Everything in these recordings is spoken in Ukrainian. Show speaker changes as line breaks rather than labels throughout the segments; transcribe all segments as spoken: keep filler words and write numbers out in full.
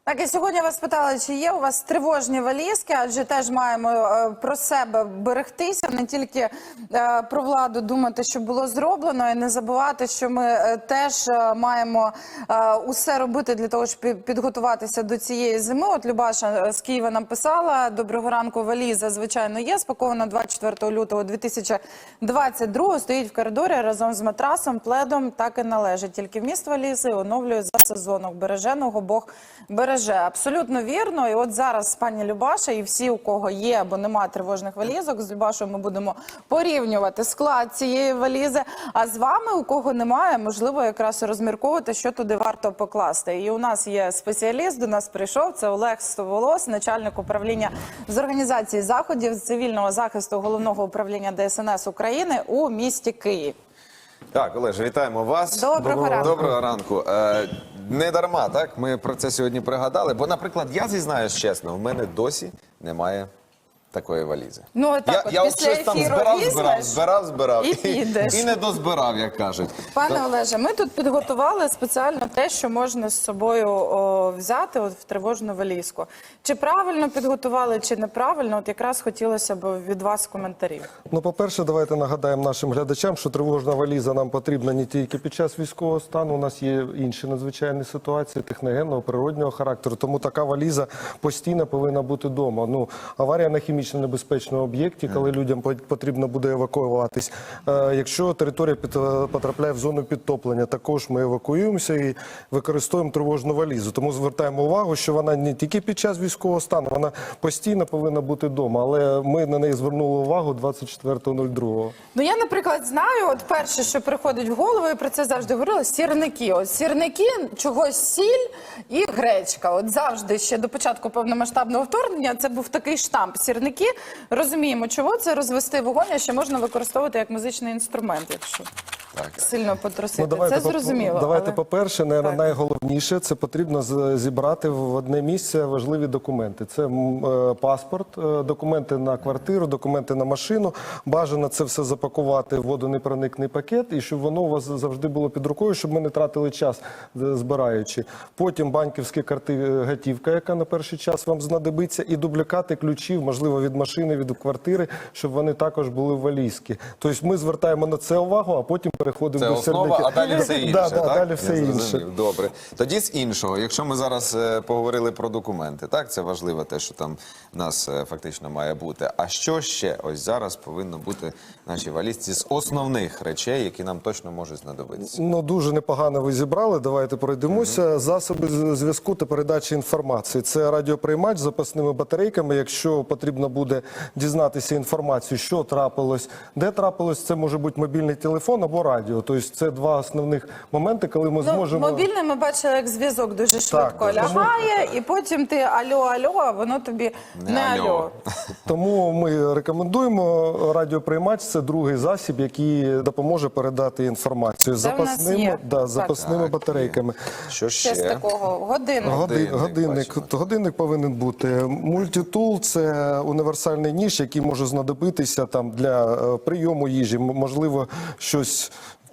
Так, і сьогодні вас питали, чи є у вас тривожні валізки, адже теж маємо е, про себе берегтися, не тільки е, про владу думати, що було зроблено, і не забувати, що ми е, теж е, маємо е, усе робити для того, щоб підготуватися до цієї зими. От Любаша з Києва нам писала: доброго ранку, валіза, звичайно, є, спакована двадцять четвертого лютого дві тисячі двадцять другого, стоїть в коридорі разом з матрасом, пледом, так і належить. Тільки вміст валізи оновлює за сезоном. Береженого Бог береже. Абсолютно вірно. І от зараз пані Любаша і всі, у кого є або немає тривожних валізок, з Любашою ми будемо порівнювати склад цієї валізи. А з вами, у кого немає, можливо, якраз розмірковувати, що туди варто покласти. І у нас є спеціаліст, до нас прийшов, це Олег Стоволос, начальник управління з організації заходів з цивільного захисту Головного управління Де Ес Ен Ес України у місті Київ.
Так, Олеже, вітаємо вас.
Доброго, Доброго ранку.
Доброго ранку. Е, не дарма, так? Ми про це сьогодні пригадали. Бо, наприклад, я зізнаюсь чесно, в мене досі немає такої валізи.
Ну, так,
я
от,
я
після
от щось там збирав, збирав, збирав, збирав.
І підеш.
І, і не дозбирав, як кажуть.
Пане
То...
Олеже, ми тут підготували спеціально те, що можна з собою о, взяти от, в тривожну валізку. Чи правильно підготували, чи неправильно? От якраз хотілося б від вас коментарів.
Ну, по-перше, давайте нагадаємо нашим глядачам, що тривожна валіза нам потрібна не тільки під час військового стану. У нас є інші надзвичайні ситуації техногенного, природнього характеру. Тому така валіза постійно повинна бути вдома. Ну, аварія на хімічно небезпечному об'єкті, коли людям потрібно буде евакуюватись. Якщо територія потрапляє в зону підтоплення, також ми евакуюємося і використовуємо тривожну валізу. Тому звертаємо увагу, що вона не тільки під час військового стану, вона постійно повинна бути вдома. Але ми на неї звернули увагу двадцять четвертого другого.
Ну, я, наприклад, знаю, от перше, що приходить в голову, і про це завжди говорила, сірники. От сірники, чогось сіль і гречка. От завжди, ще до початку повномасштабного вторгнення, це був такий штамп. Сірники, розуміємо, чого це розвести вогонь, а ще можна використовувати як музичний інструмент, якщо так сильно потрусити. Ну, давайте, це зрозуміло.
Давайте, але... по-перше,
так.
найголовніше, це потрібно зібрати в одне місце важливі документи. Це е, паспорт, е, документи на квартиру, документи на машину. Бажано це все запакувати в водонепроникний пакет, і щоб воно у вас завжди було під рукою, щоб ми не тратили час, збираючи. Потім банківські карти, готівка, яка на перший час вам знадобиться, і дублікати ключів, можливо, від машини, від квартири, щоб вони також були в валізці. Тобто ми звертаємо на це увагу, а потім переходимо
це
до
основа,
сердики.
а далі все інше,
да,
так?
Да, далі все інше.
Добре. Тоді з іншого, якщо ми зараз е, поговорили про документи, так, це важливо те, що там в нас е, фактично має бути. А що ще ось зараз повинно бути в нашій валізці з основних речей, які нам точно можуть знадобитися?
Ну, дуже непогано ви зібрали, давайте пройдемося. Mm-hmm. Засоби зв'язку та передачі інформації. Це радіоприймач з запасними батарейками. Якщо потрібно буде дізнатися інформацію, що трапилось, де трапилось, це може бути мобільний телефон або радіо. Тобто це два основних моменти, коли ми
ну,
зможемо...
Мобільний ми бачили, як зв'язок дуже швидко так, лягає, тому... і потім ти альо-альо, а воно тобі не, не альо.
Тому ми рекомендуємо радіоприймач. Це другий засіб, який допоможе передати інформацію з запасними, да, запасними так, батарейками.
Що ще?
Ще з такого? Годинник.
Годинник. Годинник. Годинник повинен бути. Мультитул – це універсальний ніж, який може знадобитися там для прийому їжі. Можливо, щось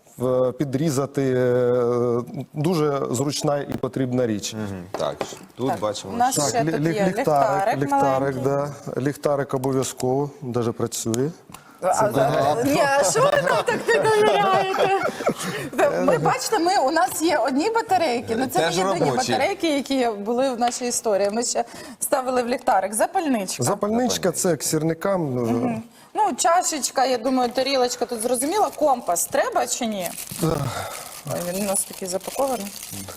підрізати. Дуже зручна і потрібна річ.
Угу. Так, тут так, бачимо.
У нас
так,
ще тут є ліхтарик,
ліхтарик, ліхтарик,
да.
ліхтарик обов'язково, навіть працює.
А, а, ні, а що ви нам так не довіряєте? Ми, бачите, ми, у нас є одні батарейки, але це не єдині батарейки, які були в нашій історії. Ми ще ставили в ліхтарик. Запальничка.
Запальничка – це к сірникам.
Угу. Ну, чашечка, я думаю, тарілочка, тут зрозуміло. Компас треба чи ні? Ой, він у нас такий запакований.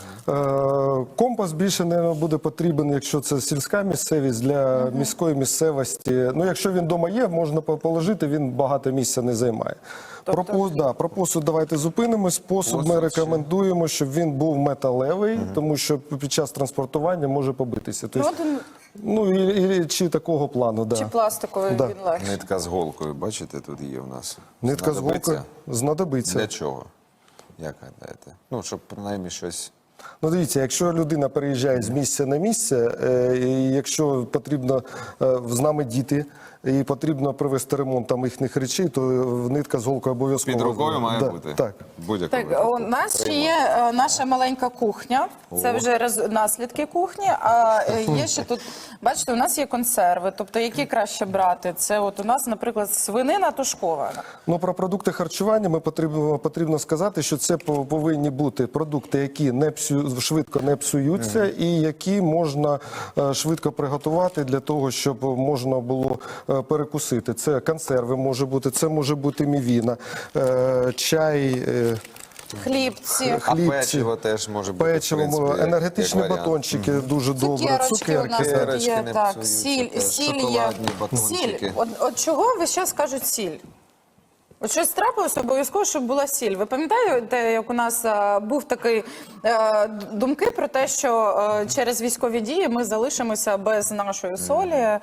Компас більше не буде потрібен, якщо це сільська місцевість, для uh-huh. міської місцевості. Ну, якщо він вдома є, можна положити, він багато місця не займає. Тобто... Про, посуд, да, про посуд давайте зупинимось. Посуд, посуд ми рекомендуємо, щоб він був металевий, uh-huh. тому що під час транспортування може побитися. Тобто, ну, ну і, і, чи такого плану, да.
Чи пластиковий
да.
він легше.
Нитка з голкою, бачите, тут є у нас.
Нитка з голкою знадобиться.
Для чого? Як гадаєте? Ну, щоб принаймні щось...
Ну, дивіться, якщо людина переїжджає з місця на місце, е, і якщо потрібно, е, з нами діти, і потрібно провести ремонт там їхніх речей, то нитка з голкою обов'язково.
Під рукою має
Да,
бути?
Так.
Будь-якому
Так,
випадку.
у нас ще є е, наша маленька кухня. Це вже роз- наслідки кухні. А е, є ще тут, бачите, у нас є консерви. Тобто, які краще брати? Це от у нас, наприклад, свинина тушкована.
Ну, про продукти харчування ми потрібно, потрібно сказати, що це по- повинні бути продукти, які не псю, швидко не псуються і які можна е, швидко приготувати для того, щоб можна було е, перекусити. Це консерви може бути, це може бути мівіна, е, чай, е,
Хлібці,
А
хлібці,
печиво теж може бути, в
печиво,
принципі, як-
енергетичні
як варіант.
батончики дуже добре,
цукерочки у нас
цукерки.
тут
Цукерочки
є.
не
Так,
псуються
сіль,
теж,
сіль є.
шоколадні
Сіль.
батончики.
От, от чого ви зараз кажуть сіль? От щось трапилося обов'язково, щоб була сіль. Ви пам'ятаєте, як у нас е, був такий е, думки про те, що е, через військові дії ми залишимося без нашої солі е,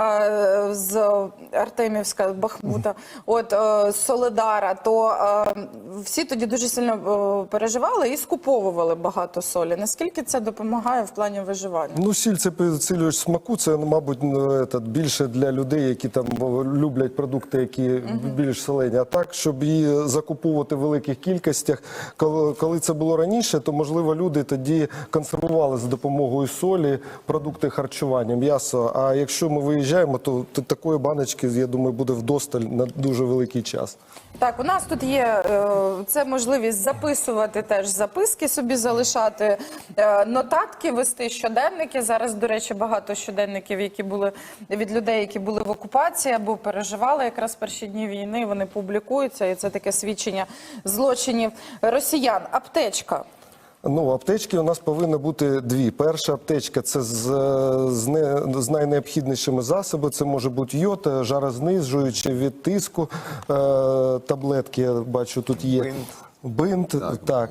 з Артемівська, Бахмута, от е, з Солидара, то е, всі тоді дуже сильно е, переживали і скуповували багато солі. Наскільки це допомагає в плані виживання?
Ну, сіль це підсилювач смаку, це, мабуть, ну, этот, більше для людей, які там о, люблять продукти, які більш солені. А так, щоб її закуповувати в великих кількостях, коли, коли це було раніше, то, можливо, люди тоді консервували за допомогою солі продукти харчування, м'ясо. А якщо ми виїжджаємо, то, то такої баночки, я думаю, буде вдосталь на дуже великий час.
Так, у нас тут є е, це можливість записувати теж записки, собі залишати е, нотатки, вести щоденники. Зараз, до речі, багато щоденників, які були від людей, які були в окупації або переживали якраз перші дні війни. Вони публікуються, і це таке свідчення злочинів росіян. Аптечка.
Ну, аптечки у нас повинні бути дві. Перша аптечка – це з, з, не, з найнеобхіднішими засобами. Це може бути йод, жарознижуючі від тиску, е, таблетки, я бачу, тут є.
Бинт.
Бинт, так. так.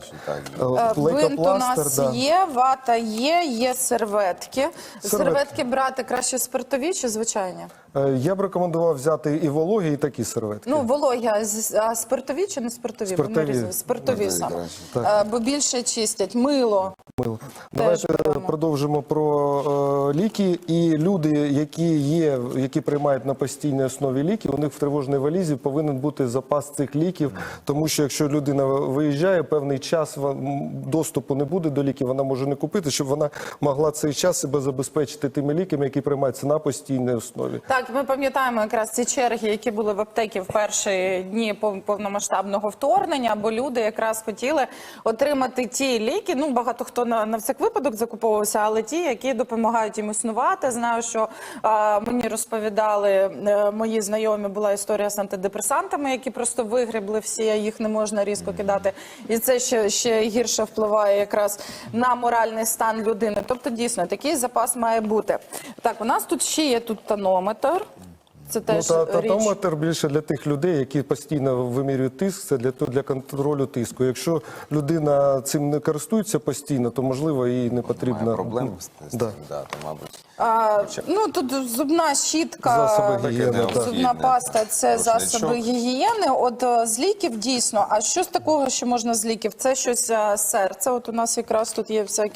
Е,
Е,
Бинт у нас
лейкопластир, да.
є, вата є, є серветки.
Серветки.
Серветки брати краще спиртові чи звичайні?
Е, Я б рекомендував взяти і вологі, і такі серветки.
Ну, вологі, а з- а спиртові чи не спиртові? Бо ми
Спиртові.
різні. Спиртові
Спиртові
саме.
краще.
Е, Бо більше чистять. Мило.
Мило. Давайте
беремо.
продовжимо про е, ліки. І люди, які є, які приймають на постійній основі ліки, у них в тривожній валізі повинен бути запас цих ліків, тому що якщо людина виїжджає, певний час ва- м, доступу не буде до ліків, вона може не купити, щоб вона могла цей час себе забезпечити тими ліками, які приймаються на постійній основі.
Так, ми пам'ятаємо якраз ці черги, які були в аптеки в перші дні пов- повномасштабного вторгнення, бо люди якраз хотіли отримати ті ліки. Ну, багато хто на, на всяк випадок закуповувався, але ті, які допомагають їм існувати. Знаю, що а, мені розповідали е, мої знайомі, була історія з антидепресантами, які просто вигребли всі, а їх не можна різко кидати. І це ще, ще гірше впливає якраз на моральний стан людини. Тобто, дійсно, такий запас має бути. Так, у нас тут ще є тут тонометр. Це
Ну,
теж
та,
річ.
татометр більше для тих людей, які постійно вимірюють тиск, це для, то- для контролю тиску. Якщо людина цим не користується постійно, то, можливо, їй не потрібно.
Має проблем з з
Да.
цим, да, то, мабуть.
А, ну, тут зубна щітка,
Засоби гігієни,
Таке
так.
необхідне.
зубна паста – це
Рушничок.
засоби гігієни. От е, з ліків дійсно. А що з такого, що можна з ліків? Це щось е, серце. От у нас якраз тут є всякі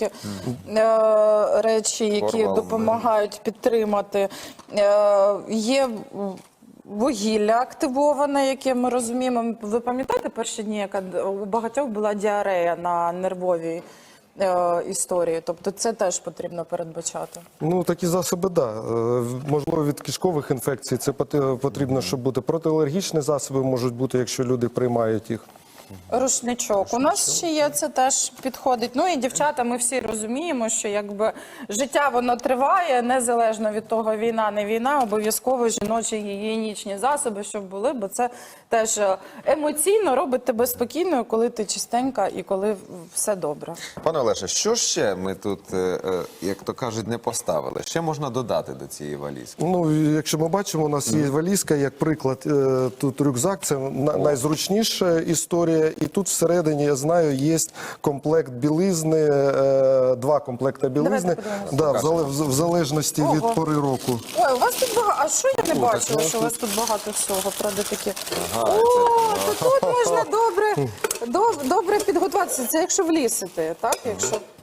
е, речі, які
Корвалол,
допомагають підтримати. Е, є м, вугілля активоване, яке ми розуміємо. Ви пам'ятаєте перші дні, яка д- у багатьох була діарея на нервовій е, історії? Тобто це теж потрібно передбачати.
Ну, такі засоби, так. Да. Е, Можливо, від кишкових інфекцій це поти- потрібно, щоб бути. Протиалергічні засоби можуть бути, якщо люди приймають їх.
Рушничок. У нас ще є, це теж підходить. Ну і дівчата, ми всі розуміємо, що якби життя воно триває, незалежно від того, війна, не війна, обов'язково жіночі гігієнічні засоби, щоб були, бо це теж е, емоційно робить тебе спокійною, коли ти чистенька і коли все добре.
Пане Олеже, що ще ми тут, е, е, як то кажуть, не поставили? Ще можна додати до цієї валізки?
Ну, якщо ми бачимо, у нас є валізка, як приклад, е, тут рюкзак, це на- найзручніша історія. І тут всередині, я знаю, є комплект білизни, е, два комплекти білизни,
подивимося.
да, в, зале- в залежності
Ого.
від пори року.
Ой, у вас тут багато. А що я не
О,
бачила,
так,
що у вас тут багато всього? Правда, такі.
Ага,
О, то тут можна добре, доб- добре підготуватися. Це якщо влізти, так? Якщо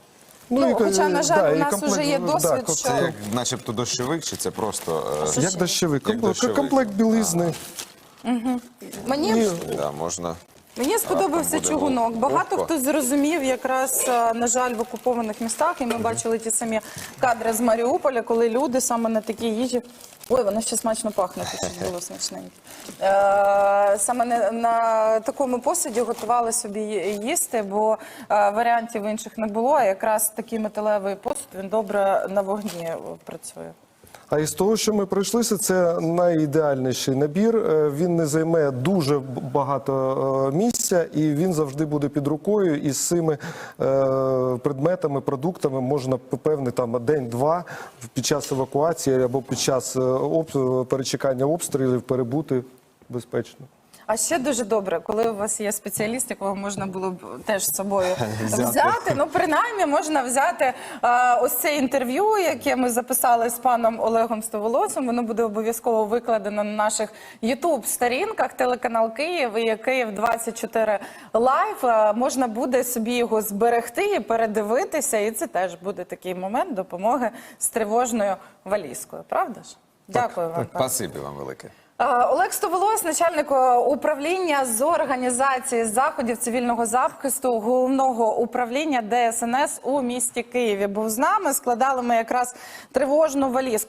Ну,
і,
хоча, на жаль,
да,
у
і
нас
комплект-
вже є
да,
досвід,
комплект-
що-
Це як начебто дощовик, чи це просто. е,
Що
Як
ще?
дощовик,
Як
комплект-
дощовик.
комплект білизни.
Мені
І
Да, можна.
Мені сподобався
буде
чугунок. Багато
легко.
хто зрозумів якраз, е, на жаль, в окупованих містах, і ми бачили ті самі кадри з Маріуполя, коли люди саме на такій їжі. Ой, воно ще смачно пахне, тут щось було смачненьке. Е, саме на, на такому посуді готували собі їсти, бо е, варіантів інших не було. А якраз такий металевий посуд, він добре на вогні працює.
А із того, що ми пройшлися, це найідеальніший набір. Е, Він не займе дуже б- багато е, місця, і він завжди буде під рукою. І з цими е, предметами, продуктами можна певний там день-два під час евакуації або під час е, об- перечекання обстрілів перебути безпечно.
А ще дуже добре, коли у вас є спеціаліст, якого можна було б теж з собою
Взяти.
взяти. Ну, принаймні, можна взяти е, ось це інтерв'ю, яке ми записали з паном Олегом Стоволосом. Воно буде обов'язково викладено на наших ютуб-сторінках, телеканал Київ і Київ двадцять чотири Лайв. Е, можна буде собі його зберегти і передивитися, і це теж буде такий момент допомоги з тривожною валізкою. Правда ж? Дякую вам. пане.
Спасибі вам велике.
Е, Олег Стоволос, начальник е, управління з організації заходів цивільного захисту головного управління Де Ес Ен Ес у місті Києві, був з нами. Складали ми якраз тривожну валізку.